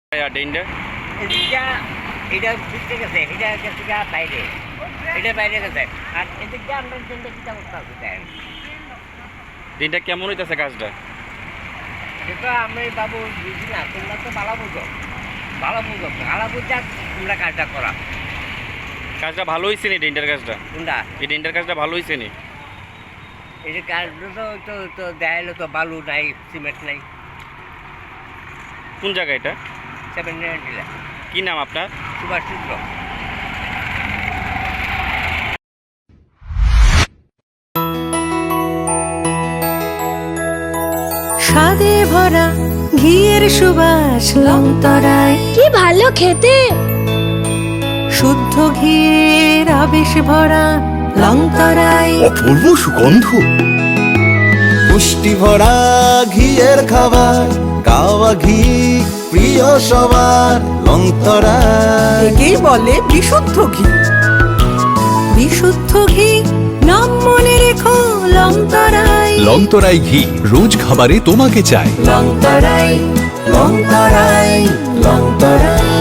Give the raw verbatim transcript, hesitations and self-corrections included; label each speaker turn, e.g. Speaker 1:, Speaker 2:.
Speaker 1: ডেন্ডার
Speaker 2: এদিকটা এটা ভিতরে গেছে, এটা গেছে গা বাইরে, এটা বাইরে গেছে। আর এদিকটা আমরা ডেন্ডা কিটা করতে হবে দেন,
Speaker 1: ডেন্ডার কেমন হইতেছে কাজটা?
Speaker 2: সেটা আমি বাবু বুঝি না, তোমরা তো ভালো বুঝো, ভালো বুঝো, ভালো বুঝা তোমরা কাজটা করা।
Speaker 1: কাজটা ভালো হয়েছে নি? ডেন্ডার কাজটা,
Speaker 2: তোমরা
Speaker 1: এই ডেন্ডার কাজটা ভালো হয়েছে নি?
Speaker 2: এই যে কাজটা তো তো তো দেখাইলো তো বালু নাই, সিমেন্ট নাই।
Speaker 1: কোন জায়গা এটা?
Speaker 2: সেভেন নাইনটিলা
Speaker 1: কি নাম আপনার?
Speaker 2: সুভাষ সূত্র।
Speaker 3: স্বাদে ভরা ঘিয়ের সুবাস লংতরায়,
Speaker 4: কি ভালো খেতে।
Speaker 3: শুদ্ধ ঘিয়ের আবেশ ভরা লংতরায়,
Speaker 5: অপূর্ব সুগন্ধ, পুষ্টি ভরা ঘিয়ের খাবার, গাওয়া ঘি প্রিয় সবার লংতরা।
Speaker 3: একেই বলে বিশুদ্ধ ঘি। বিশুদ্ধ ঘি নাম মনে রেখো লংতরায়।
Speaker 6: লংতরাই ঘি রোজ খাবারে তোমাকে চাই।
Speaker 3: লংতরায় লংতরায় লংতরায়।